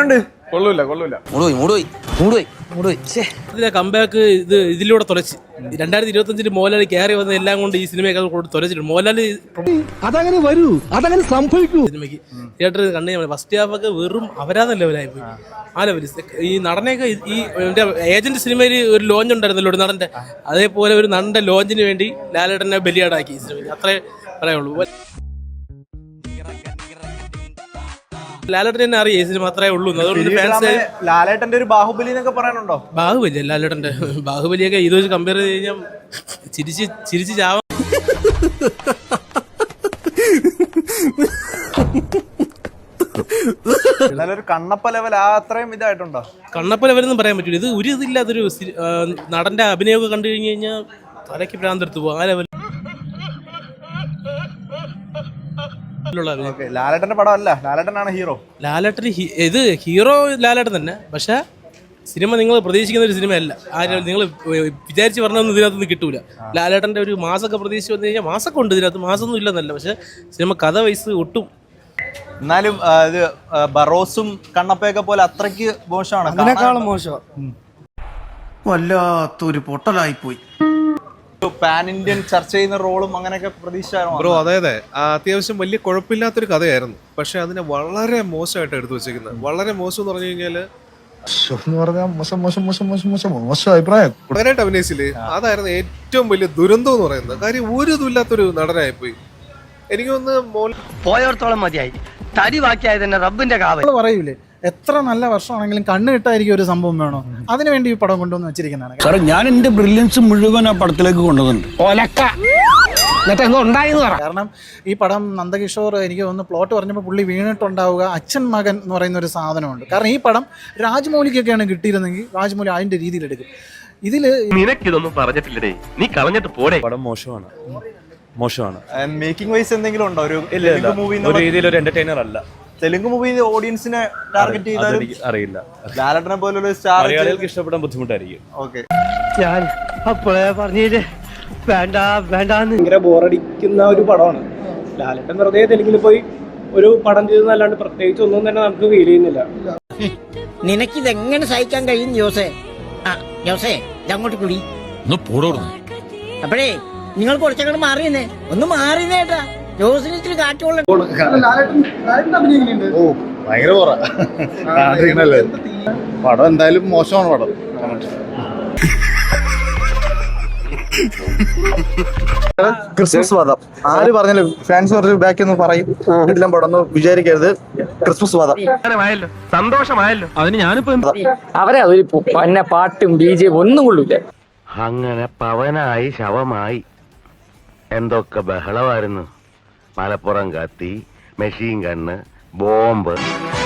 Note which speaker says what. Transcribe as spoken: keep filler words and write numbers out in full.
Speaker 1: എങ്ങനെയുണ്ട്? കൊള്ളൂല കൊള്ളൂല
Speaker 2: ഇതിലെ കമ്പാക്ക് ഇത് ഇതിലൂടെ തുലച്ച് രണ്ടായിരത്തി ഇരുപത്തി അഞ്ചില് മോഹൻലാൽ കയറി വന്ന എല്ലാം കൊണ്ട് ഈ സിനിമയൊക്കെ കൊണ്ട് തുലച്ചിട്ടുണ്ട്. മോഹൻലാൽ
Speaker 3: അതങ്ങനെ വരൂ, അതങ്ങനെ സംഭവിക്കൂ.
Speaker 2: സിനിമയ്ക്ക് തിയേറ്ററിൽ കണ്ടു കഴിഞ്ഞാൽ ഫസ്റ്റ് ഹാഫ് ഒക്കെ വെറും അപരാധ ലെവലായി പോയി. ആ ലെവല് ഈ നടനെയൊക്കെ ഈ ഏജന്റ് സിനിമയിൽ ഒരു ലോഞ്ച് ഉണ്ടായിരുന്നല്ലോ ഒരു നടന്റെ, അതേപോലെ ഒരു നടന്റെ ലോഞ്ചിന് വേണ്ടി ലാലേട്ടനെ ബലിയാടാക്കി ഈ സിനിമയ്ക്ക്. അത്രേ പറയുള്ളൂ. ലാലേട്ടൻ തന്നെ അറിയാം ഈ സിനിമ അത്രേ ഉള്ളൂ. അതുകൊണ്ട് ഫാൻസ്
Speaker 1: ലാലേട്ടന്റെ ഒരു ബാഹുബലി എന്നൊക്കെ പറയാനുണ്ടോ?
Speaker 2: ബാഹുബലി ലാലേട്ടന്റെ ബാഹുബലിയൊക്കെ ഇത് വെച്ച് കമ്പയർ ചെയ്ത് കഴിഞ്ഞാൽ ചിരിച്ച് ചിരിച്ച് ചാവാൻ.
Speaker 1: എന്നാലൊരു കണ്ണപ്പ ലെവൽ ആ അത്രയും ഇതായിട്ടുണ്ടോ?
Speaker 2: കണ്ണപ്പ ലെവലൊന്നും പറയാൻ പറ്റില്ല. ഇത് ഒരു ഇതില്ലാത്തൊരു നടന്റെ അഭിനയമൊക്കെ കണ്ടു കഴിഞ്ഞു കഴിഞ്ഞാൽ തലയ്ക്ക് ഭ്രാന്തെടുത്ത് പോകും. ആ ലെവൽ
Speaker 1: ലാലേട്ടന്റെ പടം അല്ല, ലാലേട്ടനാണ് ഹീറോ.
Speaker 2: ലാലേട്ടൻ ഇത് ഹീറോ ലാലേട്ടൻ തന്നെ. പക്ഷെ സിനിമ നിങ്ങൾ പ്രതീക്ഷിക്കുന്ന ഒരു സിനിമയല്ല. ആ നിങ്ങൾ വിചാരിച്ച് പറഞ്ഞൊന്നും ഇതിനകത്തൊന്നും കിട്ടൂല. ലാലേട്ടന്റെ ഒരു മാസമൊക്കെ പ്രതീക്ഷിച്ച് വന്നു കഴിഞ്ഞാൽ മാസമൊക്കെ ഉണ്ട് ഇതിനകത്ത്, മാസമൊന്നും ഇല്ലെന്നല്ല. പക്ഷെ സിനിമ കഥ വയസ്സ് ഒട്ടും.
Speaker 1: എന്നാലും ഇത് ബറോസും കണ്ണപ്പയൊക്കെ പോലെ അത്രയ്ക്ക് മോശമാണ്,
Speaker 4: അതിനേക്കാളും മോശമാണ്.
Speaker 5: വല്ലാത്തൊരു പൊട്ടലായിപ്പോയി.
Speaker 1: പാൻ ഇന്ത്യൻ ചർച്ച ചെയ്യുന്ന റോളും അങ്ങനെയൊക്കെ പ്രതീക്ഷിച്ചായിരുന്നു
Speaker 6: ബ്രോ. അതെ അതെ, അത്യാവശ്യം വലിയ കുഴപ്പമില്ലാത്തൊരു കഥയായിരുന്നു. പക്ഷെ അതിനെ വളരെ മോശമായിട്ട് എടുത്തു വെച്ചിരിക്കുന്നത്. വളരെ മോശം എന്ന് പറഞ്ഞു കഴിഞ്ഞാല് ഭയങ്കരമായിട്ട് അഭിനയിച്ചില്ലേ, അതായിരുന്നു ഏറ്റവും വലിയ ദുരന്തം എന്ന് പറയുന്നത്. കാര്യം ഒരു ഇതുമില്ലാത്തൊരു നടനായിപ്പോയി. എനിക്ക് തോന്നുന്നു
Speaker 7: പോയോർത്തോളം മതിയായി, തരി ബാക്കിയായത് തന്നെ റബ്ബിന്റെ കാവൽ
Speaker 4: പറയൂലേ, എത്ര നല്ല വർഷമാണെങ്കിലും കണ്ണ് കിട്ടായിരിക്കും ഒരു സംഭവം വേണോ, അതിനുവേണ്ടി ഈ പടം കൊണ്ടുവന്ന് വെച്ചിരിക്കുന്നതാണ്.
Speaker 3: സാറേ, ഞാൻ എന്റെ ബ്രില്യൻസ് മുഴുവൻ ആ പടത്തിലേക്ക് കൊണ്ടുവന്നുണ്ട്.
Speaker 4: കാരണം ഈ പടം നന്ദകിഷോർ എനിക്ക് തോന്നുന്നു പ്ലോട്ട് പറഞ്ഞപ്പോൾ പുള്ളി വീണിട്ടുണ്ടാവുക അച്ഛൻ മകൻ എന്ന് പറയുന്ന ഒരു സാധനമുണ്ട്. കാരണം ഈ പടം രാജ്മൗലിക്കൊക്കെയാണ് കിട്ടിയിരുന്നെങ്കിൽ രാജ്മൗലി അതിന്റെ രീതിയിൽ എടുക്കും. ഇതില്
Speaker 7: നിനക്കിതൊന്നും പറഞ്ഞിട്ടില്ലേ, നീ കളഞ്ഞിട്ട് പോടെ.
Speaker 8: പടം മോശമാണ്, മോശമാണ്.
Speaker 1: മേക്കിംഗ് വൈസ് എന്തെങ്കിലും ഉണ്ടോ? ഒരു മൂവി
Speaker 8: ഒരു രീതിയിൽ ഒരു എന്റർടൈനർ അല്ല.
Speaker 1: തെലുങ്ക് മൂവി ഓഡിയൻസിനെ ടാർഗറ്റ് ചെയ്താലും
Speaker 8: അറിയില്ല.
Speaker 1: ലാലേട്ടനെ പോലുള്ള സ്റ്റാർ
Speaker 8: മലയാളികൾക്ക് ഇഷ്ടപ്പെടാൻ ബുദ്ധിമുട്ടായിരിക്കും.
Speaker 1: ഓക്കെ,
Speaker 7: ഞാൻ അപ്പോഴേ പറഞ്ഞില്ലേ വേണ്ട വേണ്ട.
Speaker 9: ഭയങ്കര ബോറടിക്കുന്ന ഒരു പടമാണ്. ലാലേട്ടൻ വെറുതെ തെലുങ്കിൽ പോയി ഒരു പടം ചെയ്തെന്നല്ലാണ്ട് പ്രത്യേകിച്ച് ഒന്നും തന്നെ നമുക്ക് ഫീൽ ചെയ്യുന്നില്ല.
Speaker 10: നിനക്കിതെങ്ങനെ സഹിക്കാൻ കഴിയും ജോസേ? ആ ജോസേ, അങ്ങോട്ട് കുടി. അപ്പോഴേ നിങ്ങൾ കുറച്ചങ്ങോട്ട് മാറിയെന്നേ, ഒന്ന് മാറിയേട്ടാ. ജോസിന് ഇത്തിരി കാറ്റുള്ള
Speaker 5: ഓ ഭയങ്കര പോറ പടം. എന്തായാലും മോശമാണ് പടം. ക്രിസ്മസ് വാദം ആര് പറഞ്ഞാലും ഫാൻസ് പറഞ്ഞ് ബാക്കി ഒന്ന് പറയും. എല്ലാം പടം ഒന്ന് വിചാരിക്കരുത്. ക്രിസ്മസ് വാദം
Speaker 7: സന്തോഷമായല്ലോ. അതിന് ഞാനിപ്പോ
Speaker 10: അവരെ ഒരു പന്ന പാട്ടും ബി ജെ ഒന്നും കൊള്ളൂല.
Speaker 7: അങ്ങനെ പവനായി ശവമായി എന്തൊക്കെ ബഹളമായിരുന്നു. മലപ്പുറം കത്തി, മെഷീൻ ഗണ്ണ്, ബോംബ്.